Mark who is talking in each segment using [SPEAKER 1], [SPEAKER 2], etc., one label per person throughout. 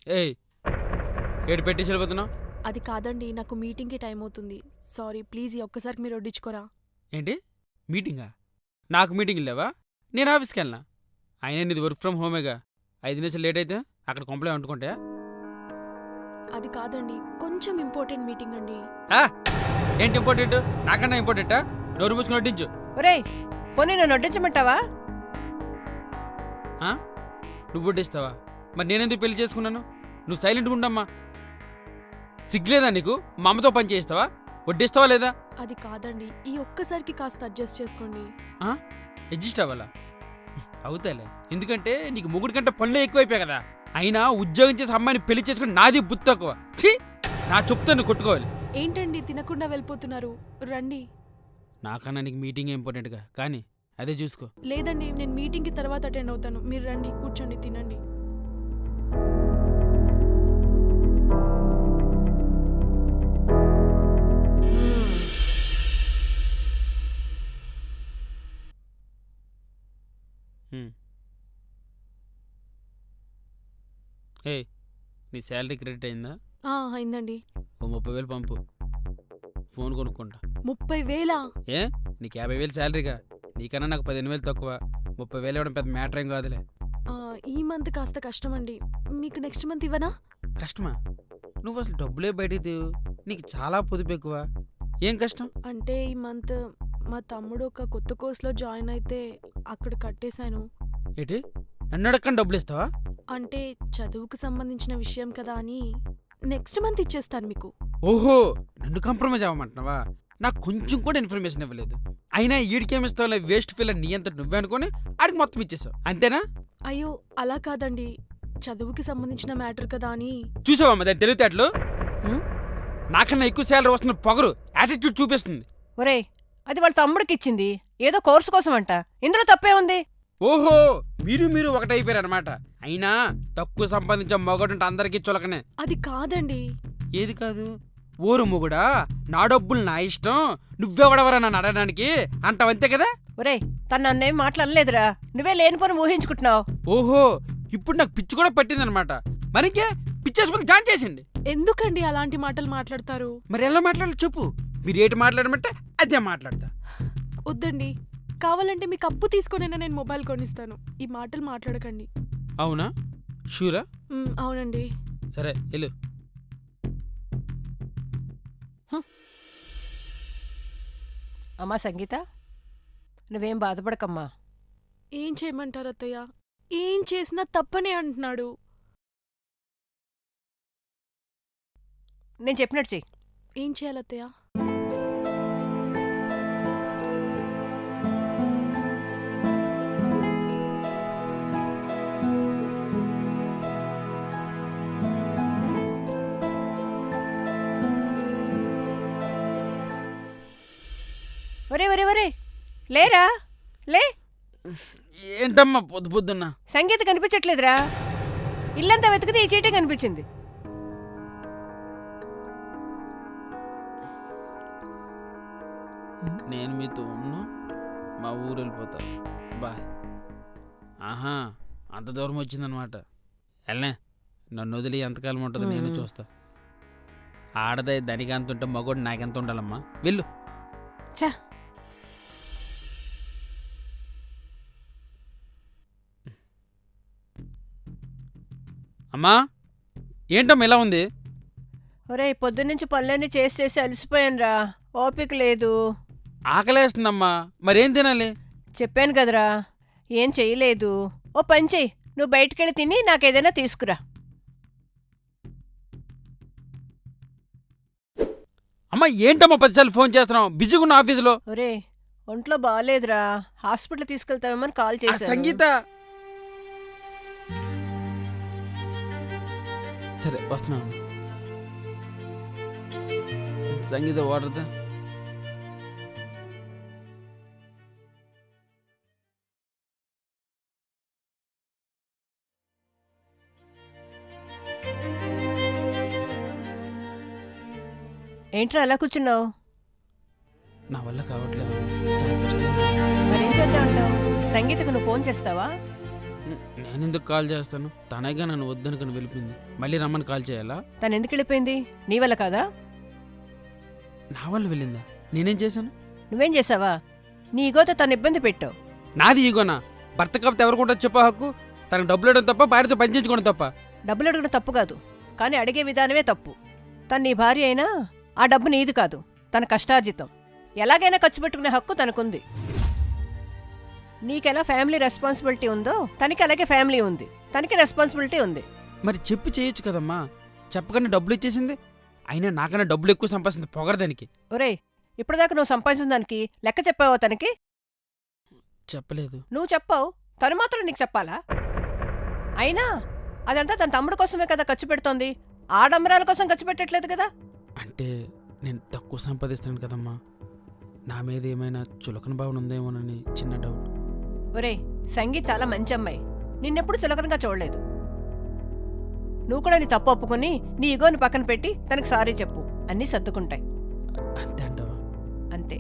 [SPEAKER 1] ఏయ్ ఏడు పెట్టేసి వెళ్ళిపోతున్నావు
[SPEAKER 2] అది కాదండి, నాకు మీటింగ్కి టైం అవుతుంది. సారీ, ప్లీజ్ ఈ ఒక్కసారికి మీరు వడ్డించుకోరా.
[SPEAKER 1] ఏంటి మీటింగా? నాకు మీటింగ్ లేవా? నేను ఆఫీస్కి వెళ్ళినా. అయినా నీది వర్క్ ఫ్రమ్ హోమేగా. 5 నిమిషాలు లేట్ అయితే అక్కడ కొంపలే వండుకుంటా.
[SPEAKER 2] అది కాదండి, కొంచెం ఇంపార్టెంట్ మీటింగ్ అండి.
[SPEAKER 1] ఏంటి ఇంపార్టెంట్? నాకన్నా ఇంపార్టెంటా? నోరు మూసుకుని వడ్డించు.
[SPEAKER 3] ఒరేయ్, పోనీ నన్ను వడ్డించమంటావా?
[SPEAKER 1] నువ్వు వడ్డిస్తావా? మరి నేనెందుకు పెళ్లి చేసుకున్నాను? నువ్వు సైలెంట్గా ఉండమ్మా. సిగ్గులేదా నీకు? మా అమ్మతో పని చేయిస్తావా? వడ్డిస్తావా లేదా?
[SPEAKER 2] అది కాదండి, ఈ ఒక్కసారికి కాస్త అడ్జస్ట్ చేసుకోండి.
[SPEAKER 1] అడ్జస్ట్ అవ్వాలా? అవుతాలే, ఎందుకంటే నీకు మొగుడి కంటే పనులే ఎక్కువైపోయాయి కదా. అయినా ఉద్యోగం చేసి అమ్మాయిని పెళ్లి చేసుకుని నాది బుద్ధి తక్కువ. ఛీ, నా చెప్తాను కొట్టుకోవాలి.
[SPEAKER 2] ఏంటండి తినకుండా వెళ్ళిపోతున్నారు? రండి.
[SPEAKER 1] నాకన్నా నీకు మీటింగ్ ఇంపార్టెంట్గా, కానీ అదే చూసుకో.
[SPEAKER 2] లేదండి, నేను మీటింగ్కి తర్వాత అటెండ్ అవుతాను. మీరు రండి, కూర్చోండి, తినండి.
[SPEAKER 1] ఏ నీ శాలరీ క్రెడిట్ అయిందా?
[SPEAKER 2] అయిందండి.
[SPEAKER 1] ఓ 30,000 పంపు. ఫోన్ కొనుక్కుంటా.
[SPEAKER 2] 30,000?
[SPEAKER 1] ఏ నీకు 50,000 శాలరీగా? నీకన్నా నాకు 15,000 తక్కువ. 30,000 ఇవ్వడం పెద్ద మ్యాటర్ ఏం కాదులే.
[SPEAKER 2] ఈ మంత్ కాస్త కష్టమండి. మీకు నెక్స్ట్ మంత్ ఇవ్వనా?
[SPEAKER 1] కష్టమా? నువ్వు అసలు డబ్బులే బయటికి తీవు. నీకు చాలా పొదుపు ఎక్కువ. ఏం కష్టం?
[SPEAKER 2] అంటే ఈ మంత్ మా తమ్ముడు ఒక కొత్త కోర్సులో జాయిన్ అయితే అక్కడ కట్టేశాను.
[SPEAKER 1] ఏంటి, నన్ను అడగకుండా డబ్బులు ఇస్తావా?
[SPEAKER 2] అంటే చదువుకు సంబంధించిన విషయం కదా అని నెక్స్ట్ మంత్ ఇచ్చేస్తాను మీకు.
[SPEAKER 1] ఓహో, నన్ను కాంప్రమైజ్ అవ్వమంటున్నావా? నాకు కొంచెం కూడా ఇన్ఫర్మేషన్ ఇవ్వలేదు. అయినా ఈడికేమిస్తావులే వేస్ట్ ఫీల్ నీ అంత నువ్వే అనుకుని ఆడికి మొత్తం ఇచ్చేసావు, అంతేనా?
[SPEAKER 2] అయ్యో అలా కాదండి, చదువుకి సంబంధించిన మ్యాటర్ కదా అని.
[SPEAKER 1] చూసావమ్మా దాని తెలివితేటలు? నాకన్నా ఎక్కువ శాలరీ వస్తున్న పొగరు యాటిట్యూడ్ చూపిస్తుంది.
[SPEAKER 3] ఒరేయ్, అది వాళ్ళ తమ్ముడికి ఇచ్చింది, ఏదో కోర్సు కోసం అంట. ఇందులో తప్పే ఉంది.
[SPEAKER 1] ఓహో, మీరు ఒకటైపోయారు అనమాట. అయినా తక్కువ సంపాదించే మొగడుంటే అందరికీ చులకనే.
[SPEAKER 2] అది కాదండి.
[SPEAKER 1] ఏది కాదు? ఓరు మొగుడా, నా డబ్బులు నా ఇష్టం, నువ్వెవడవరా నన్ను అడగడానికి అంటావంతే కదా?
[SPEAKER 3] ఒరేయ్, తను నన్నేం మాట్లాడలేదురా, నువ్వే లేనిపోని ఊహించుకుంటున్నావు.
[SPEAKER 1] ఓహో, ఇప్పుడు నాకు పిచ్చి కూడా పట్టిందనమాట. మరికే పిచ్చేసుకుని జాన్ చేసిండి.
[SPEAKER 2] ఎందుకండి అలాంటి మాటలు మాట్లాడతారు?
[SPEAKER 1] మరి ఎలా మాట్లాడాలి చెప్పు. మీరు ఏంటి మాట్లాడమంటే అదే మాట్లాడతా.
[SPEAKER 2] వద్దండి, కావాలంటే మీకు అప్పు తీసుకొనైనా నేను మొబైల్ కొనిస్తాను. ఈ మాటలు మాట్లాడకండి.
[SPEAKER 1] అవునా? షూరా?
[SPEAKER 2] అవునండి.
[SPEAKER 1] సరే వెళ్ళు.
[SPEAKER 3] అమ్మా సంగీత, నువ్వేం బాధపడకమ్మా.
[SPEAKER 2] ఏం చేయమంటారు అత్తయ్య? ఏం చేసినా తప్పనే అంటున్నాడు.
[SPEAKER 3] నేను చెప్పినట్టు చెయ్యి.
[SPEAKER 2] ఏం చేయాలి అత్తయ్య?
[SPEAKER 3] ఒరే ఒరే ఒరే, లేరా, లే.
[SPEAKER 1] ఏంటమ్మా పొద్దు పొద్దున్నా?
[SPEAKER 3] సంగీత కనిపించట్లేదురా. ఇల్లంతా వెతికితే ఈ చీటే కనిపించింది.
[SPEAKER 1] నేను మీతో ఉన్నా, మా ఊరు వెళ్ళిపోతా. బాయ్. ఆహా, అంత దూరం వచ్చిందనమాట. వెళ్ళనే, నన్ను వదిలి ఎంతకాలం ఉంటుందో నేను చూస్తా. ఆడదే దానికి అంత ఉంటే మగోడు నాకెంత ఉండాలమ్మా. వెళ్ళు.
[SPEAKER 3] చా,
[SPEAKER 1] అమ్మా ఏంటమ్మా ఇలా ఉంది?
[SPEAKER 3] ఒరే, పొద్దున్నుంచి పనులన్నీ చేసి చేసి అలసిపోయానురా, ఓపిక లేదు.
[SPEAKER 1] ఆకలేస్తుందమ్మా, మరేం తినాలి?
[SPEAKER 3] చెప్పాను కదరా, ఏం చెయ్యలేదు. ఓ పని చెయ్యి, నువ్వు బయటికెళ్ళి తిని నాకేదైనా తీసుకురా.
[SPEAKER 1] అమ్మా ఏంటమ్మా 10 సార్లు ఫోన్ చేస్తున్నావు? బిజీగా ఉన్న ఆఫీసులో.
[SPEAKER 3] ఒరే, ఒంట్లో బాగాలేదురా, హాస్పిటల్ తీసుకెళ్తామని కాల్ చేశాను.
[SPEAKER 1] సంగీత, సరే వస్తున్నాను. సంగీత వాడదా?
[SPEAKER 3] ఏంట్రా అలా కూర్చున్నావు?
[SPEAKER 1] నా వల్ల కావట్లేదు, చాలా కష్టం.
[SPEAKER 3] మరేం చేద్దాం అంటావు? సంగీతకు నువ్వు ఫోన్ చేస్తావా?
[SPEAKER 1] నేను ఎందుకు కాల్ చేస్తాను? తనగా నన్ను వద్దనుకుని వెళ్ళిపోయింది. మళ్ళీ రమ్మని కాల్ చేయాలా?
[SPEAKER 3] తను ఎందుకు వెళ్ళిపోయింది? నీ వల్ల కాదా?
[SPEAKER 1] నా వల్ల వెళ్ళిందా? నేనేం చేశాను?
[SPEAKER 3] నువ్వేం చేసావా? నీ ఈగోతో తను ఇబ్బంది పెట్టావు.
[SPEAKER 1] నాది ఈగోనా? భర్త కాకపోతే ఎవరికి ఉంటుంది చెప్పా హక్కు? తనకు డబ్బులు ఇవ్వడం తప్ప, భార్యతో పనిచేయించుకోవడం తప్ప.
[SPEAKER 3] డబ్బులు అడగడం తప్పు కాదు, కానీ అడిగే విధానమే తప్పు. తను నీ భార్య అయినా ఆ డబ్బు నీది కాదు, తన కష్టార్జితం. ఎలాగైనా ఖర్చు పెట్టుకునే హక్కు తనకుంది. నీకెలా ఫ్యామిలీ రెస్పాన్సిబిలిటీ ఉందో తనకి అలాగే ఫ్యామిలీ ఉంది, తనకి రెస్పాన్సిబిలిటీ ఉంది.
[SPEAKER 1] మరి చెప్పి చేయొచ్చు కదమ్మా. చెప్పకన్నా డబ్బులు ఇచ్చేసింది. అయినా నాకన్నా డబ్బులు ఎక్కువ సంపాదించింది పొగరదానికి.
[SPEAKER 3] ఒరేయ్, ఇప్పటిదాకా నువ్వు సంపాదించిన దానికి లెక్క చెప్పావా తనకి?
[SPEAKER 1] చెప్పలేదు.
[SPEAKER 3] నువ్వు చెప్పావు, తను మాత్రం నీకు చెప్పాలా? అయినా అదంతా తన తమ్ముడు కోసమే కదా ఖర్చు పెడుతోంది, ఆడంబరాల కోసం ఖర్చు పెట్టట్లేదు కదా.
[SPEAKER 1] అంటే నేను తక్కువ సంపాదిస్తాను కదమ్మా. నా మీద ఏమైనా చులకన భావన ఉందేమోనని చిన్న డౌట్.
[SPEAKER 3] ఒరేయ్, సంగీ చాలా మంచి అమ్మాయి, నిన్నెప్పుడు చులకనగా చూడలేదు. నువ్వు కూడా నీ తప్పు ఒప్పుకొని నీ ఈగోని పక్కన పెట్టి తనకు సారీ చెప్పు, అన్నీ సర్దుకుంటాయి.
[SPEAKER 1] అంతే అంటావా?
[SPEAKER 3] అంతే.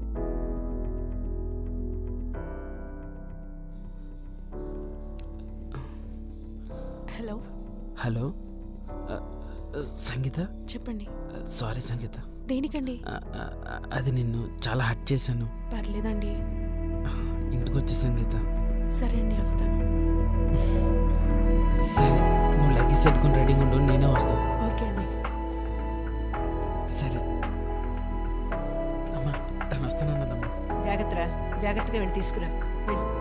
[SPEAKER 2] Hello,
[SPEAKER 1] hello, Sangeeta.
[SPEAKER 2] చెప్పండి.
[SPEAKER 1] సారీ సంగీత.
[SPEAKER 2] దేనికండి?
[SPEAKER 1] అది నిన్ను చాలా హర్ట్ చేశాను.
[SPEAKER 2] పర్లేదండి.
[SPEAKER 1] ఇంటికి వచ్చే సంగీత.
[SPEAKER 2] సరే అండి, వస్తాను.
[SPEAKER 1] సరే, నువ్వు లగేజ్ ఎత్తుకుని రెడీగా ఉండు, నేనే వస్తాను.
[SPEAKER 2] ఓకే అండి.
[SPEAKER 1] సరే అమ్మా, తను వస్తానన్నదమ్మా.
[SPEAKER 3] జాగ్రత్తగా వెళ్ళి తీసుకురా. వెళ్ళు.